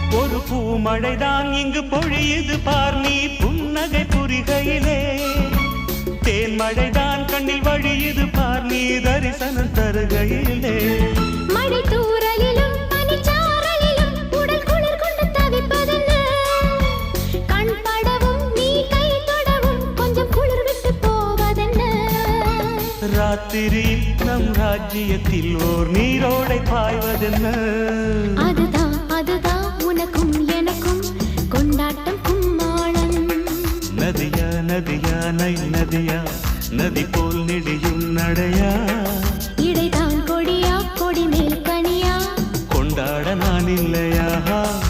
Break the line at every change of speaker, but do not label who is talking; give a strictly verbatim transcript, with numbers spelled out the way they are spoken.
ஒரு பூமழைதான் இங்கு பொழியுது பார் நீ புன்னகை புரிகையிலே தேன்மழைதான் கண்ணில் வழியுது பார் நீ தரிசனம் தருகையிலே
மழை தூறலிலும் பனிச்சாரலிலும் உடல் குளிர் கொண்டு தவிப்பதென்ன கண் படவும் நீ கை தொடவும் கொஞ்சம் குளிர் விட்டு போவதென்ன
ராத்திரியில் நம் ராஜ்யத்தில் ஓர் நீரோடை பாய்வதென்ன
அதுதான் அதுதான் உனக்கும் எனக்கும் கொண்டாட்டம் கும்மாளம்
நதியா நதியா நை நதியா நதி போல் நெடியும் நடையா
இடைதான் கொடியா கொடி மேல் கனியா
கொண்டாட நான் இல்லையா